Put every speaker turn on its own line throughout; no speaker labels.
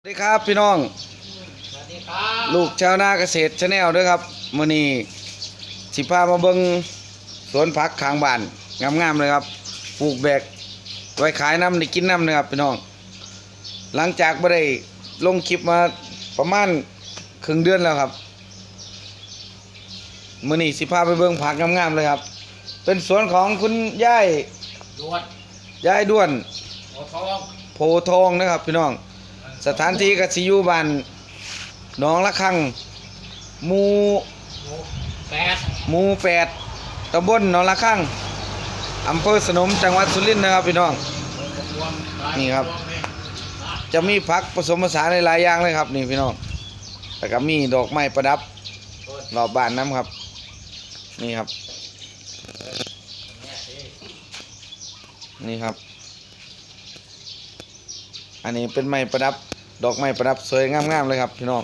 สวัสดีครับพี่น้องลูกชาวนาเกษตรชาแนลด้วยครับมื้อนี้สิพามาเบิ่งสวนผักข้างบ้านงามๆเลยครับปลูกแบกไว้ขายน้ำได้กินน้ำนะครับพี่น้องหลังจากไม่ได้ลงคลิปมาประมาณครึ่งเดือนแล้วครับมื้อนี้สิพาไปเบิ่งผักงามๆเลยครับเป็นสวนของคุณยาย
ด้วน
ด้วน
โอทอง
โพทองนะครับพี่น้องสถานที่ก็สิอยู่บ้านหนองละคังหมู่
แปด
หมู่8ตำบลหนองละคังอำเภอสนมจังหวัดสุรินทร์นะครับพี่น้องนี่ครับจะมีผักผสมผสานหลายอย่างเลยครับนี่พี่น้องแล้วก็มีดอกไม้ประดับรอบบ้านน้ำครับนี่ครับนี่ครับอันนี้เป็นไม้ประดับดอกไม้ประดับสวยงามๆเลยครับพี่น้อง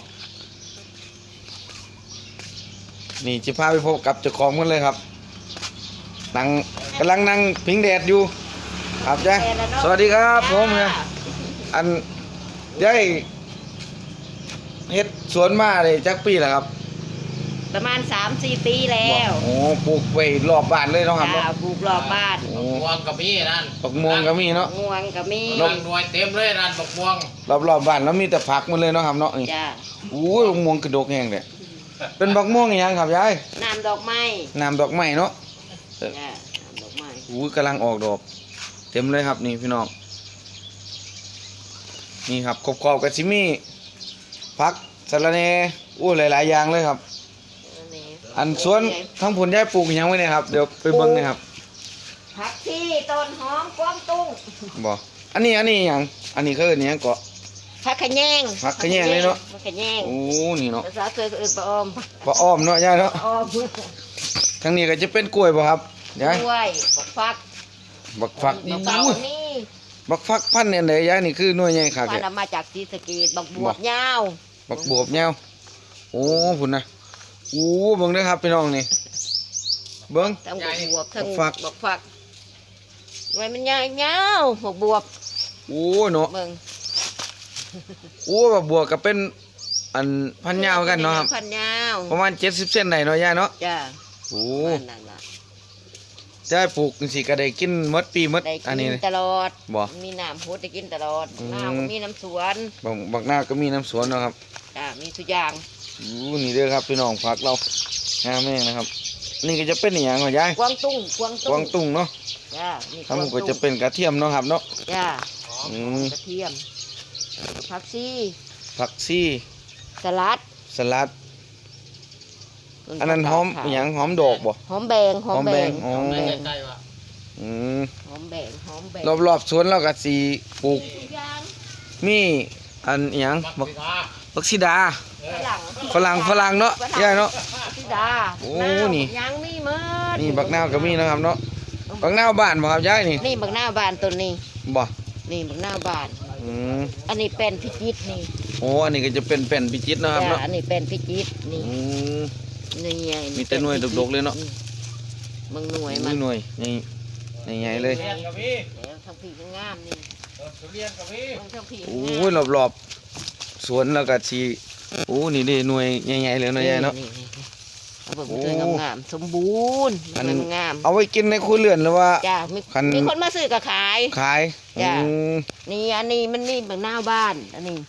นี่จะพาไปพบกับเจ้าของกันเลยครับกำลังนั่งพิงแดดอยู่ครับจ้ะสวัสดีครับผมเนี่ยอันได้เฮ็ดสวนมาเลยจักปีแล้วครับ
ประมาณ 3-4 ปีแล้ว
โอ้ปลูกไว้รอบบ้านเลยเนาะครับ
ปลูกรอบบ้าน
ม่วงกับมีนั่น
บักม่วงก็มีเนาะ
ม่วงก็มี
นหน่วยเต็มเลยนั่นบักม่วง
รอบบ้านแล้วมีแต่ผักหมดเลยเนาะครับเนาะนี่
จ้า
อู้ยบักม่วงกระดกแห้งเลยเป็นบักม่วงอีหยังครับยาย
น้ำดอกไม้
ดอกไม้เนาะ
จ้าน้ำดอกไม้
อู้ยกำลังออกดอกเต็มเลยครับนี่พี่น้องนี่ครับขอบๆกับซิมี่ผักสะระแหน่อู้หลายๆอย่างเลยครับอันสวนทั้งผลยายปลูกยังไว้เนี่ยครับเดี๋ยวไปเบิ่งนะครับ
ผักชีต้นหอมกวางตุ้ง
บ่อันนี้อย่างอันนี้คืออันนี้เกาะ
ผักขะแยง
เลยเนาะ
ผักขะแยง
โอ้นี่เนาะ
ภาษาเคยเอิ้นปลาอ้อม
เนาะยายเนาะ
อ้อม
ทั้งนี้ก็จะเป็นกล้วยบ่ครับยาย
กล้วยบักฟัก
นี่
บักฟัก
พันธุ์เนี่ยไหนยายนี่คือหน่วยใหญ่คัก
พันธุ์มาจากศรีสะเกษบักบวบยาว
โอ้พุ่นนะโอ้เบิ่งเด้อครับพี่น้องนี่เบิ่ง
ทั้งบวบทั้งบักฟักไว้มันยาวบักบวบ
โอ้เนาะ
เบิ่ง
โอ้บักบวบก็เป็นอันพันยาวกันเนาะครับ
พันยาว
ประมาณ70เซนได้เนาะยายเนาะ
จ้า
โอ้จะปลูกสิก็ได้กินหมดปีหมดอันนี้
ตลอด
บ่
มีน้ำพุได้กินตลอดน้ำก็มีน้ำสวน
บักหน้าก็มีน้ำสวนเนาะครับ
จ้ามีทุกอย่าง
นี่เด้อครับพี่น้องผักเรางามแม่งนะครับนี่ก็จะเป็นอย่างไรยาย
กวางตุ้ง
เนาะ
จ้า
ทำก็จะเป็นกระเทียมเนาะครับเนาะ
จ้ากระเทียมผักชีสลัด
อันนั้นหอมอย่างหอมดอกบ่
หอมแบง
หอมแบง
หอมแบง
รอบสวนเราก็สีปลูกมีอันอย่างบักซีดาฝรั่งเนาะยายเนาะ
บักซีดา
โอ้นี่
ยังมีเมื่อ
นี่บักนาวก็มีนะครับเนาะบักนาวบ้านบ่ครับยาย
นี่บักนาวบ้านตัวนี้
บ่
นี่บักนาวบ้านอันนี้เป็นพิจิตรนี่
โอ้อันนี้ก็จะเป็นแผ่นพิจิตรนะครับเนาะ
อันนี้เป็นพิจิตรนี่นี่ไง
มีแต่หน่วยดกๆเลยเนาะ
มึงหน่วยมัน
หน่วยนี่ใหญ่เลย
ทั้งผีทั้งงามนี่
โอ้ยรอบสวนแล้วก็ชีโอ้นี่ดิหน่วยใหญ่ๆเลยเนาะยายเนาะ
โอ้งามสมบูรณ์งาม
เอาไว้กินในครัวเรือนหรือว่า
จ้ามีคนมาซื้อก็ขายจ้านี่อันนี้มันนี่บางหน้าบ้านอันนี้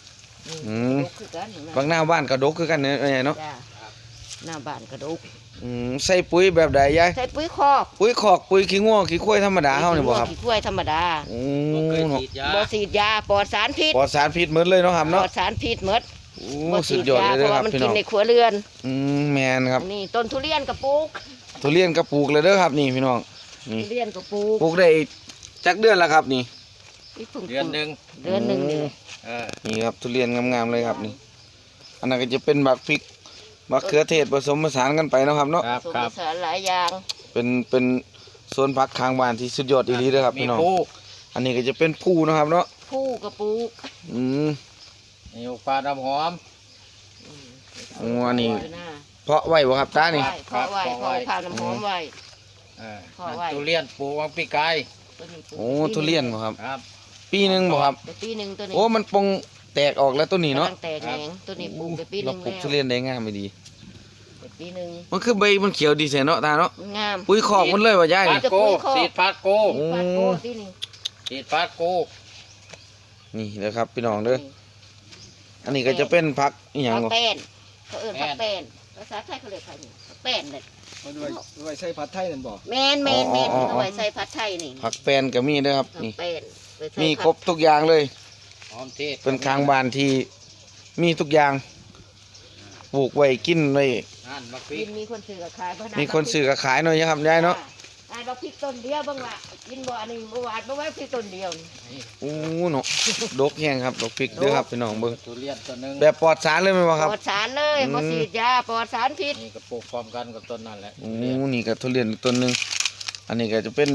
บางหน้าบ้านกระดกคือกันเนี่ยเนาะ
หน้าบ้านกระดก
ใส่ปุ๋ยแบบใดยาย
ใส่ปุ๋ยคอก
ปุ๋ยขี้งัวขี้ควายธรรมดาเฮานี่บ่ครับ
ขี้ควายธรรมดาบ่ฉีดยาปลอดสารพิษ
หมดเลยเนาะครับเนาะ
ปลอดสารพิษหมด
บ่สุดยอดเลยครับพี่น้อง
มันกินในครัวเรือน
แม่นครับ
นี่ต้นทุเรียนกระปลูก
เลยเด้อครับนี่พี่น้องนี่
ทุเรียนกระป
ลูกได้จักเดือนแล้วครับนี่
เดือนนึง
นี่ครับทุเรียนงามๆเลยครับนี่อันนั้นก็จะเป็นบักพริกมะเขือเทศผสมผสานกันไปนะครับเนาะ
ผสมผสานหลายอย่าง
เป็นสวนผักข้างบ้านที่สุดยอดอีหลีเลยครับพี่น้องอันนี้ก็จะเป็นผู้นะครับเนาะ
ผู้กระปุก
นี่ปลาดำหอม
อันนี้เพาะไว้บ่ครับตานี่
เพาะไว้ข้าวน้ำหอมไว้
ทุเรียนปลูกวังปีกาย
โอ้ทุเรียนบ่ครับปีนึงบ่ครับ
ปีนึงตัวนี้
โอ้มันปงแตกออกแล้วต้นนี้เนาะ
กำลังแตกแหนงตัวนี้ปลูกไปปีห
เรา
นึง
ปลูก
แล้ว
ทุเรียนได้งามไม่ดี
ไปปีหนึง
มันคือใบมันเขียวดีเสียเนาะตาเนาะ
มันงาม
ปุ๋ยคอกมันเลยว่ายาย
ฟา
นี่
ดโก้สีดฟาดโก้
โอ้
ฟาดโก้ที่นี่
สีดฟาดโก้
นี่เด้อครับพี่น้องเด้ออันนี้ก็จะเป็นผักอีหยัง
ผัก
บ่
แป้นเขาเอิ้นผักแป้นภาษาไทยเขาเรียกผักนี่ผักแป้นเลย
มันไว้ใส่ผัดไทยนั่นบ่
แมนเอาไว้ใส่ผัดไทยนี่
ผักแปนก็มีเด้อครับ
ผัก
นี่
แป้นไว้ใส่
มี
ผัด
ครบทุกอย่างเลย
หอมเทศ
เป็นคางบ้านที่มีทุกอย่างปลูกไว้กินไว้
นั่นมะพริ
กิ
ก
นมีคนซื้อกับขายบ่ได้
มีคนซื้อก็ขายหน่อยนะครับยายเนาะ
ได้บักพริกต้นเดียวบ้างล่ะกินบ่อันนี้บ่หวานบ่ไว้พริกต้นเดียวนี่
นี่
โอ้เนาะดกแห้งครับดกพริกเด้อครับพี่น้องเบิ่ง
ทุเรียนตัวหนึง
แบบปลอดสารเลยไหมนบ่ครับ
ปลอดสารเลย
อืม
บ่ฉีดยาปลอดสารพิษ
นี่ก็ปลูกพร้อมกันกับต้นนั่นแหละ
โอ้นี่ก็ทุเรียนต้นหนึงอันนี้ก็จะเป็น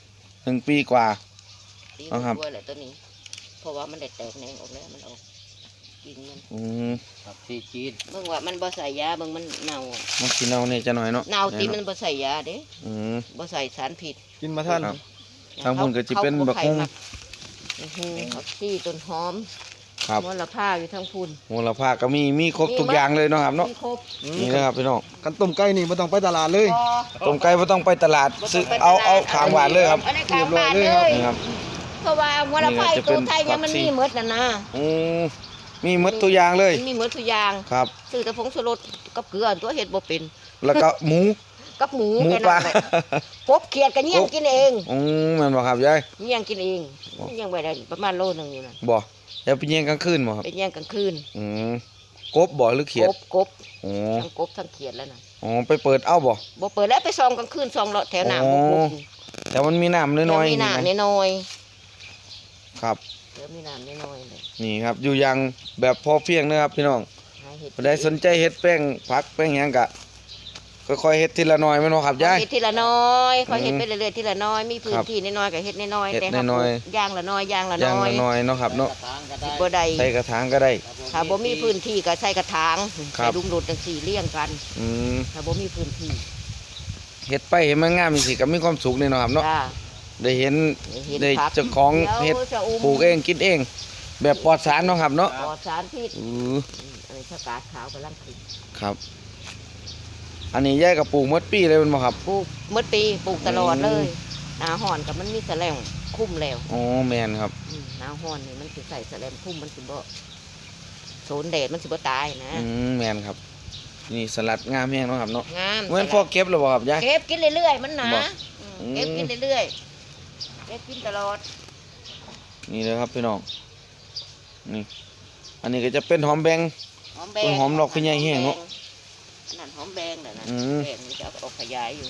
1 ปีกว่า
ดี
เอาครับ
กว่าแหละตัวนี้ เพราะว่ามันได้แตกแหนงออกแล้วมันออกกิ่งมัน
อืม
ผักชีจีน
เบิ่งว่ามันบ่ใส่ยาเบิ่งมันเน่า
มันสิเน่าเนี่ยจะหน่อยเนาะ
เน่าติมันบ่ใส่ยาเด้
อืม
บ่ใส่สารพิษ
กินมาท่าน
ครับ ทางพุ่นก็สิเป็นบักฮุ่ง
ผักชีต้นหอม
ครับ
มลภาอยู่ทั้งพุ่น
มูลค่าก็มีครบทุกอย่างเลยเนาะครับเนาะ
มีครบ
นี่นะครับพี่น้อง
กันต้มไก่นี่บ่ต้องไปตลาดเลย
พอ
ต้มไก่บ่ต้องไปตลาดซื้อ
บ่ต้งไป
เอา
ตลด
ขางหวานเลยครับ
อันนี้ขางหวานเลย
นี่ครับ
เพราะว่ามลภา
นี่ก็จะเป็
ตัวน ไทยเนี่ยมัน
ผักชี
มีหมดน่ะนะ
อืมมีหมดตัวอย่างเลย
มันมีหมดทุกอย่าง
ครับ
ซื้อแต่ผงชูรสกับเกลือตัวเฮ็ดบ่เป็น
แล้วก็หมู
กับหมู
หมู
แค่
ปลา
นั้นแหละกบเขียดก็เยี่ยงกินเอง
อืมแม่นบ่ครับยาย
เยี่ยงกินเองเยี่ยงไว้ได้ประมาณโลนึงอยู่น่ะ
บ่อย่าไปเยี่ยงกลางคืนบ่ครับ
เป็นเยี่ยงกลางคืน
อืมกบบ่หรือเขียด
กบ
อ๋อ
ทั้งกบทั้งเขียดแล้วน่ะ
อ๋อไปเปิดเอาบ่
บ่เปิดแล้วไปซองกลางคืนซองเลาะแถวหน้า
อ๋อ
บ่กบ
แต่มันมีน้ำน้อยๆ
มี
นี่นะ
น้ำน้อย
ครับ
ๆเดี๋ยวมีน้ำน้อยๆเลย
นี่ครับอยู่อย่างแบบพอเพียงนะครับพี่น้อง
หาเห็ด
ผู้ใดสนใจเฮ็ดแป้งผักแป้งหยังก็ค่อยๆเฮ็ดทีละหน่อยแม่นบ่ครับยาย
เฮ็ดทีละน้อยค่อยเฮ็ด
อืม
ไปเรื่อยๆทีละน้อยมีพื้
คน รับ
ที่น้อยๆก็เฮ็ดน้อยๆ
เฮ็ด
แต่
น้อย
ย่างละน้อยย่างละ
อย่าง
น้อย
ละหน่อยเนาะครับเนาะ
กระถางก็ได้
บ่ได้
ใส่กระถางก็ได้
ถ้าบ่มีพื้นที่ก็ใส่กระถาง
ครั
ใส่
บ
ลุมโดดจังสี่เลี้ยงกัน
อืม
ถ้าบ่มีพื้นที่
เฮ็ดไปเห็นมันงามจังซี่ก็มีความสุขนี่เนาะครับเนาะ
จ้า
ได้เห็น
เห็น
ได้
ผัก
เจ้าของเฮ็ด
ดี๋ยวจะอุ้ม
ปลูกเองกินเอง แบบปลอดสารเนาะครับเนาะ
ปลอดสารพิษ
อือ
อันนี้ชะกาดขาวกำลังขึ้น
ครับ อันนี้ยายก็ปลูกหมดปีเลยแมันบ่ครับ
ปลูกเมื่อปีปลูกตลอดเล
อื
ย
ม
หนาห่อนกับมันมีแสลงคุ้มแล้ว
อ๋อแม่นครับ
หนาห่อนนี่มันสิใส่แสลงคุ้มมันสิบ่โซนแดดมันสิบ่ตายนะ
อืมแม่นครับ นี่สลัดงามแฮงเนาะครับเนาะ
งาม
เหมือนพอเก็บแล้วบ่ครับยาย
เก็บกินเรื่อยๆมันหนา
บ่
อืมเก็บกินเรื่อยๆเก็บกินตลอด
นี่เลยครับพี่น้องนี่อันนี้ก็จะเป็นหอมแบง
หอมแบ
ต้น
ง
หอมดอกพญาแห้งเนอะ
นั่นหอมแบงน่ะนะ
อืม
แบงนี่จะเอาออกขยายอยู่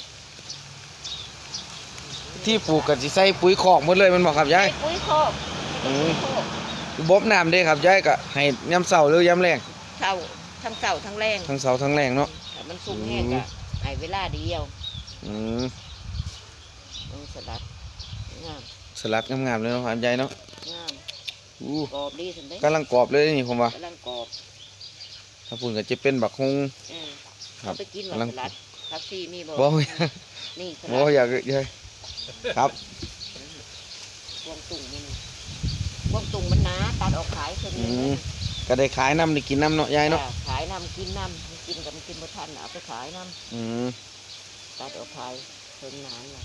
ที่ปลูกก็สิใส่ปุ๋ยคอกหมดเลยแมันบ่ครับยาย
ไอ้ปุ๋ยคอก
อืม
ปุ๋ยคอก
บบน้ำเด้ครับยายก็ให้ยามเช้าหรือยามแลง
เช้าทั้งเช้าทั้งแรง
ทั้งเช้าทั้งแลงเนาะ
ถ้ามันสุกแห้งก็ให้เวลาเดียว
อืม
มันสลัดงาม
สลัดงามๆเลยเนาะครับยายเนาะ
งาม
อู้
กรอบดีสันเด้
กำลังกรอบเลยนี่ผมว่า
กำลังกรอบ
ถ้าพุ่นก็จะเป็นบักฮุง
เออ
ครับ
เอาไปกินห
กำลั
ว่าง สลัดผักชีมีบ่
บ่
นี่ส
บ่
ลัด
อยากยายครับ
กวางตุ่งนี่นี่กวางตุ่งมันหนาตัดออกขายคน
อื
นี้
มก็ได้ขายน้ำได้กินน้ำเนาะยายเนาะ
ขายน้ำกินน้ำมันกินกับมันกินบ่ทันเอาไปขายน้
อืม
ำตัดออกขายเพิ่นนานละ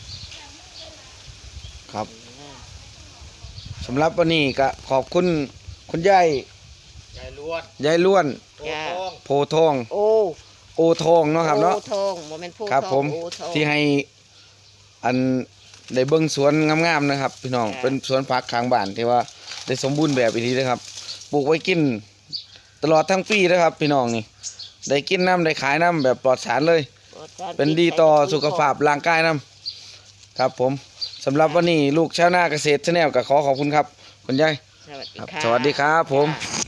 ครับ
งาม
สำหรับวันนี้ก็ขอบคุณคุณยาย
ยายล้วน
ยายล้วน
โตทอง
โพทอง
โอ้
โอทองเนาะครับเนาะ
โอทองโมเมนต์ผู้
ครับ
ทอง
ผม
โอทอง
ที่ให้อันได้เบิ่งสวนงามๆนะครับ พี่น้อง
ค่ะ
เป็นสวนผักข้างบ้านที่ว่าได้สมบูรณ์แบบอีกทีนะครับปลูกไว้กินตลอดทั้งปีนะครับ พี่น้องนี่ได้กินน้ำได้ขายน้ำแบบปลอดสารเลย
โปรดการ
เป็นดีต่อสุขภาพร่างกายน้ำครับผมสำหรับวันนี้ลูกชาวนาเกษตรชาแนลก็ขอขอบคุณครับคุณยาย
สวัสดี
ครับ
ค่ะ
สวัสดีครับผม
ค่ะ